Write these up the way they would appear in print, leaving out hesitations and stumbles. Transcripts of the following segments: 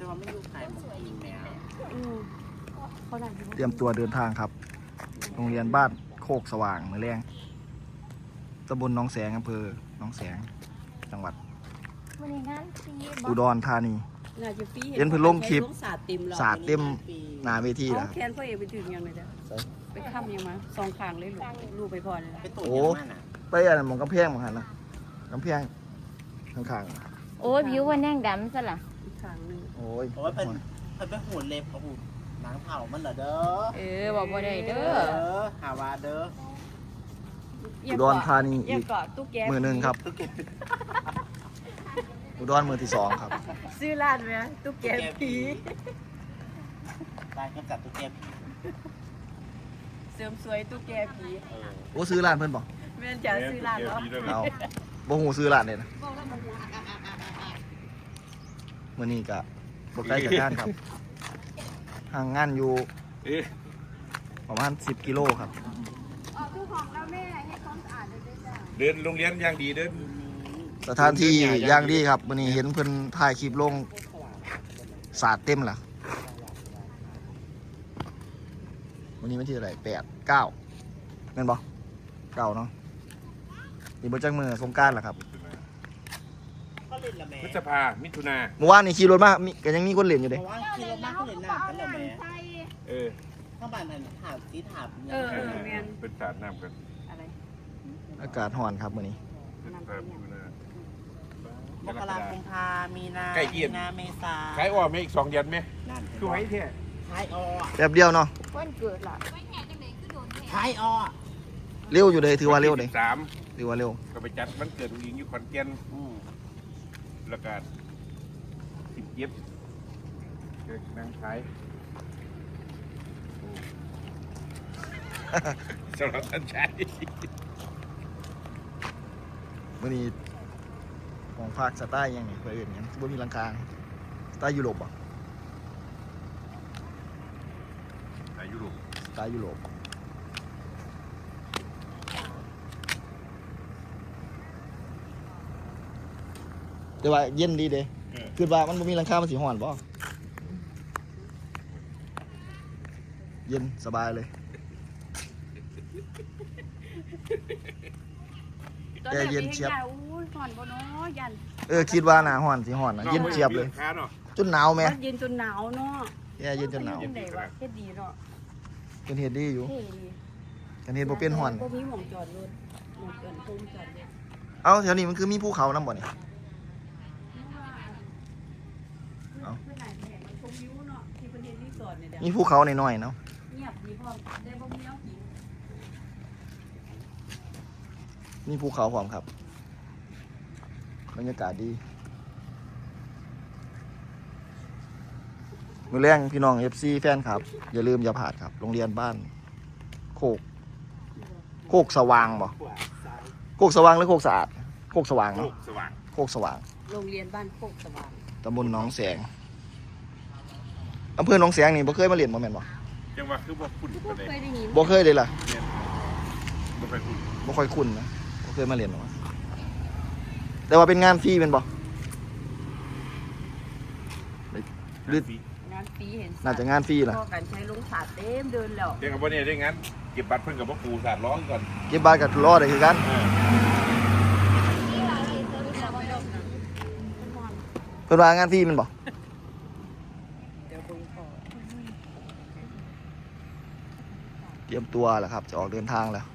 ว่าไม่รู้ใครมากินแมวเขาได้เตรียมตัวเดินทางครับ โรงเรียนบ้านโคกสว่างมือแรงตำบลหนองแสงอำเภอหนองแสงจังหวัดอุดรธานีเห็นเพิ่นลงคลิปสาดเต็มหน้าเวทีแล้วแคนพ่อเอกไปถึงยังไงเด้อไปค่ำยังมาสองข้างเลยลูกไปพอเลยไปตุ่นโอ้ยังมันอ่ะไปอันนั้นหมองกำแพงหมองหันนะกำแพงข้างโอ้ยผิวว่าแน่งดำซะล่ะอีกข้างนึงๆโอ้ยเพราะว่าเป็นหูเล็บเขาหูหนังเผามันเหรอเด้อบอกบ่ได้เด้อหาว่าเด้ออุดรธานีอย่าอีกเกาะตุ๊กแกมือหนึ่งครับอุดรมือที่สองครับซื้อร้านไหมตุ๊กแกผีได้ก็จัดตัวเก็บเสริมสวยตุ๊กแกผีโอ้ซื้อร้านเพิ่นบอกแม่นจะซื้อร้านเหรอเอาบ่หูซื้อร้านเลยนะมื้อนี้ก็บ่ไกลจากงานครับห่างงานอยู่ประมาณ10 กิโลครับเดินโรงเรียนอย่างดีเดินสถานที่อย่างดีครับมื้อนี้เห็นเพิ่นถ่ายคลิปลงสาดเต็มล่ะวันนี้วันที่เท่าไหร่8 9แม่นบ่9เนาะนี่บ่จักมื้อสงกรานต์ล่ะครับก็เล่นละแม่พฤษภามิถุนาเมื่อวานนี่ขี่รถมาก็ยังมีคนเล่นอยู่เพเด้ราะว่าคิดแล้วมากก็เล่นหนักกันละแม่เออข้างบ้านหันถามสีถามเป็นสาดน้ำกันอะไรอากาศร้อนครับมื้อนี้พฤษภามิถุนามกราคมพามีนาใกล้เคียงมีนาเมษาขายอ้อมไหมอีก2 เดือนไหมนั่นคือไว้เท่ขายออแป๊บเดียวเนาะวันเกิดล่ะขายออเร็วอยู่เลยถือว่าเร็วเลย 3 ถือว่าเร็วก็ไปจัดวันเกิดอุ้งอิงอยู่ขอนแก่นแล้วก็17เกิดนางขายสำหรับท่านชายมื้อนี้ของภาคสไตล์ยังนี่เพิ่นเอิ้นหยังบ่มีหลังคาสไตล์ยุโรปบ่อายุรุสไตล์ยุโรปแต่ว่าเย็นดีเด้คือว่ามันบ่มีหลังคามันสิร้อนบ่เย็นสบายเลยตอนแรกมีให้ยาอู้ยห่อนบ่เนาะยันคิดว่าหน้าร้อนสิร้อนนะเย็นเจี๊ยบเลยค้าเนาะจนหนาวแม่มันเย็นจนหนาวเนาะแย่เย็นจนหนาวเฮ็ดได้วะเฮ็ดดีเนาะเป็นเฮ็ดดีอยู่เท่ดีกันเฮ็ดบ่เป็นร้อนบ่มีหม่องจอดรถหม่องจอดพุ่มจอดรถเอ้าแถวนี้มันคือมีภูเขานำบ่นี่ เอ้าเพื่อนไหนแห่งมันชมวิวเนาะที่ประเทศรีสอร์ทเนี่ยเด้อมีภูเขาน้อยๆเนาะเงียบดีพร้อมได้บ่มีน้ำกินมีภูเขาพร้อมครับบรรยากาศดีมื้อแรงพี่น้อง FC แฟนครับอย่าลืมอย่าพลาดครับโรงเรียนบ้านโคกสว่างบ่โคกสว่างหรือโคกสะอาดโคกสว่างโลเนาะกสว่างโคกสว่างโรงเรียนบ้านโคกสว่างตำบลหนองแสงอำเภอหนองแสงนี่บ่เคยมาเรียนบ่แม่นบ่จังหวะคือบ่คุ้นบ่ปานใดเคยได้ยินบ่เคยเลยล่ะบ่ไปคุ้นบ่ค่อยคุ้นนะบ่เคยมาเรียนหรอกแต่ว่าเป็นงานฟรีเป็นบ่หรืองานฟรีเห็นน่าจะงานฟรีล่ะพ่อกันใช้ลงสาดเต็มเดินแล้วเดี๋ยวกับบ่เนี่ยได้งั้นเก็บบัตรเพิ่นกับบ่ปูสาดร้องก่อนเก็บบาทกับรอได้คือกัน เพิ่นว่างานฟรีแมันบ่เดี๋ยวเบิ่งพ่อเตรียมตัวแล้วครับ จะออกเดินทางแล้ว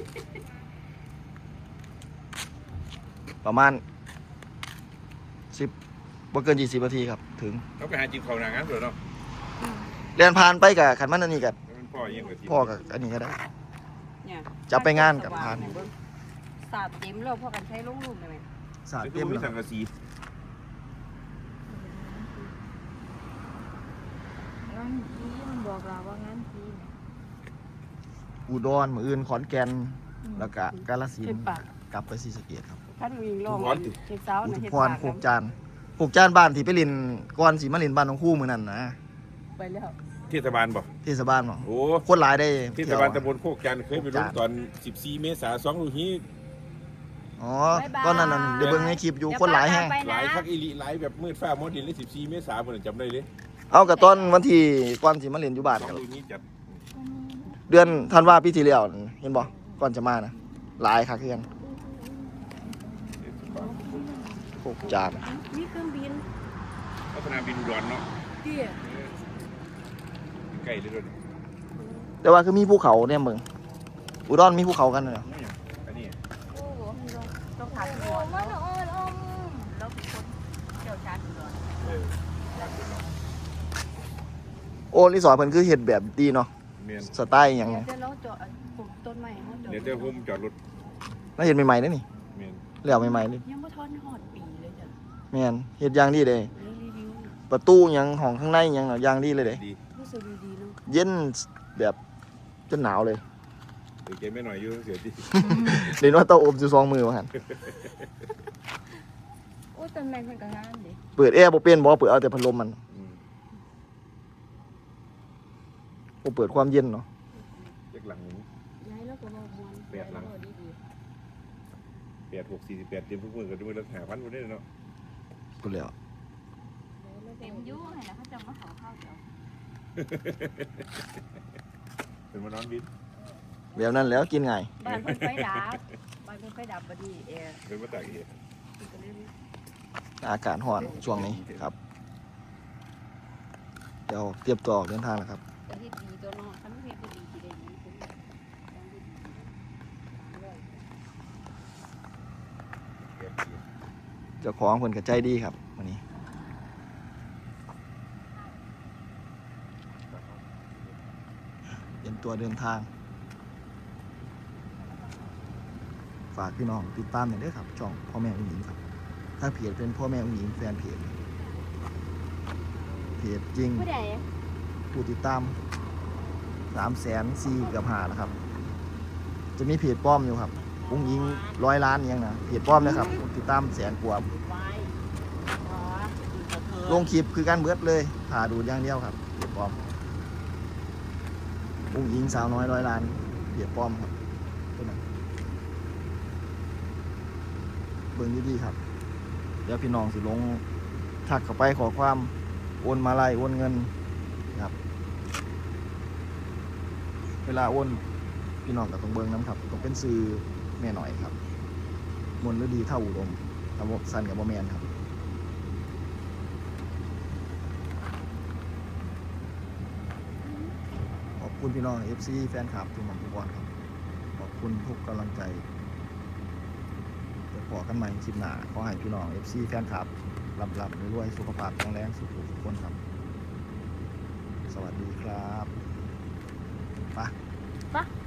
ประมาณ10บ่เกิน20นาทีครับ ถึงเขาไปหาจิบเขาหนางานตัวเนาะเรียนผ่านไปกับคันมันอันนี้กับมันพ่อยังกับพ่อกับอันนี้ก็ได้เนี่ยจะไปงานกับพานสาดเต็มแล้วพ่อกันใช้ลงรูปได้ไหมสาดเต็เต็มมมีแล้วสังกะสีงานผีมันบอกเราว่างานผีอุดรมื้ออื่นขอนแก่นแล้วก็กาฬสินเห็นธุ์ปากกลับไปศรีสะเกษครับท่านวิ่งลงเห็นสาวอุน่ะทุเห็นพรปากโคกจานโคกจานบ้านที่ไปเลินก่อนสิมาเลินบ้านของครู่มื้อนั้นนะไปแล้วเทศบาลบ่เทศบาลบ่โอ้คนหลายได้เทศบาลตำบลโคกจันทร์เคยไปลงตอน14 เมษายน2ลูกนี้อ๋อก็นั่นน่ะเดี๋ยวเบิ่งในคลิปอยู่คนหลายแฮงหลายคักอีหลีหลายแบบมืดฟ้ามัวดินเลย14 เมษายนจำได้เลยเอากับตอนวันที่ก่อนสิมาเล่นอยู่บ้านสองกันลูกนี้จัดเดือนธันวาปีที่แล้วนั่นเห็นบ่ก่อนจะมานะหลายคักคือกันพวกจานมีเครื่องบินพัฒนาบินอุดรเนาะเตี้ยใกล้เลยด้วยแต่ว่าคือมีภูเขาเนี่ยเบิ่งอุดรมีภูเขากันเนาะอันนี้โอ้โหต้องถามโอ้ก่อนมันอ่อนอมแล้วเป็นคนเชี่ยวชาญก่อนการเป็นเนาะโอ้รีสอร์ทเพิ่นคือเฮ็ดแบบดีเนาะเมียนสไตล์หยังเดี๋ยวเราเจาะปลูกต้นไม้เขาเจาะเดี๋ยวเจ้าพุ่มจอดรถน่าเฮ็ดใหม่ๆเด้อนี่เมียนแล้วใหม่ๆเลยยังไม่ทอนหอดปีเลยจ้ะแม่นเฮ็ดอย่างดีเด้รีวิวประตูหยังห้องข้างในหยังเนาะอย่างดีเลยเด้ดีรู้สึกดีๆเนาะเย็นแบบจนหนาวเลยเดี๋ยวแกไม่หน่อยอยู่เสียดีเรียนว่าเตาอบอยู่2มือว่าหั่นโอ้ต้นไม้มันก็งามดิเปิดแอร์บ่เป็นบ่เปิดเอาแต่พัดลมมันบ่เปิดความเย็นเนาะเล็กหลังหนึ่งย้ายแล้วก็บอกมวนแปดหลังดี 86 48เตรียมทุกมือกันด้วยแล้ว5,000คนได้เนาะพูดแล้วเต็มยุ่งเลยนะเขาจะมาขอข้าวเดี๋ยวเป็นมานอนบินแบบนั้นแล้วกินง่ายบ้านเพิ่นไฟดับบ้านเพิ่นไฟดับบัดนี้แอร์เป็นมาตากเหตุก็เลยอากาศร้อนช่วงนี้ครับ เดี๋ยวเตรียมตัวออกเดินทางแล้วครับจะเฮ็ดดีตัวเนาะคันเฮ็ดบ่ดีสิได้หยังคุณเจ้าของเพิ่นก็ใจดีครับวันนี้เตรียมตัวเดินทาง ฝากพี่น้องติดตามหน่อยเด้อครับช่องพ่อแม่อุ้งหญิงครับ ถ้าเพจเป็นพ่อแม่อุ้งหญิงแฟนเพจจริงผู้ใดผู้ติดตาม304,000เกือบ5แล้วครับ จะมีเพจป้อมอยู่ครับอุ้งหญิง100 ล้านยังนะเพจป้อมนะครับติดตามแสนกว่าไว้อ๋อลงคลิปคือการเบิดเลยถ่าดูอย่างเดียวครับเพจป้อมอุ้งหญิงสาวน้อย100 ล้านเพจป้อมครับตัวนั้นเบิ่งดีๆครับเดี๋ยวพี่น้องสิลงทักเข้าไปขอความโอนมาลัยโอนเงินครับ เวลาโอนพี่น้องก็ต้องเบิ่งน้ำครับต้องเป็นซื้อแม่หน่อยครับมนต์ฤดีเท่าอุดมทำสั้นกับบ่แมนครับขอบคุณพี่น้อง FC แฟนคลับทุกหม่อมทุกบอลครับขอบคุณทุกกำลังใจจะขอกันใหม่คลิปหน้าขอให้พี่น้อง FC แฟนคลับรับรวยๆสุขภาพแข็งแรงสุขทุกคนครับสวัสดีครับไปปะ